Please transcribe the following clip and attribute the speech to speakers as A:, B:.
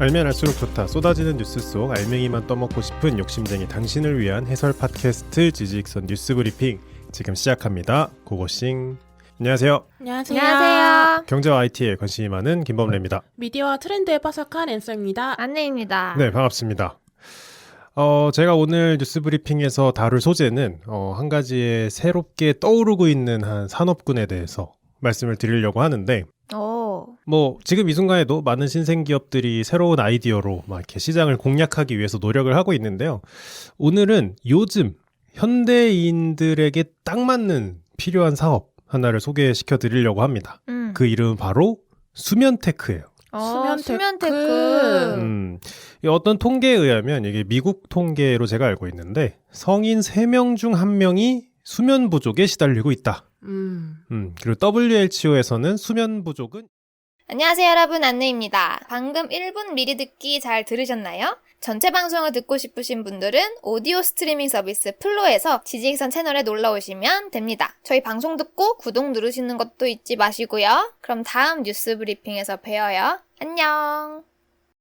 A: 알면 알수록 좋다. 쏟아지는 뉴스 속 알맹이만 떠먹고 싶은 욕심쟁이 당신을 위한 해설 팟캐스트 지지익선 뉴스 브리핑 지금 시작합니다. 고고싱. 안녕하세요.
B: 안녕하세요.
A: 경제와 IT에 관심이 많은 김범래입니다.
B: 미디어와 트렌드에 빠삭한 앤서입니다.
C: 안내입니다.
A: 네, 반갑습니다. 제가 오늘 뉴스 브리핑에서 다룰 소재는 한 가지의 새롭게 떠오르고 있는 한 산업군에 대해서 말씀을 드리려고 하는데, 지금 이 순간에도 많은 신생 기업들이 새로운 아이디어로 막 이렇게 시장을 공략하기 위해서 노력을 하고 있는데요. 오늘은 요즘 현대인들에게 딱 맞는 필요한 사업 하나를 소개시켜 드리려고 합니다. 그 이름은 바로 수면테크예요.
C: 수면테크.
A: 어떤 통계에 의하면 이게 미국 통계로 제가 알고 있는데 성인 3명 중 1명이 수면 부족에 시달리고 있다. 그리고 WHO에서는 수면 부족은
C: 안녕하세요 여러분, 안내입니다. 방금 1분 미리 듣기 잘 들으셨나요? 전체 방송을 듣고 싶으신 분들은 오디오 스트리밍 서비스 플로에서 지지익선 채널에 놀러오시면 됩니다. 저희 방송 듣고 구독 누르시는 것도 잊지 마시고요. 그럼 다음 뉴스 브리핑에서 봬요. 안녕.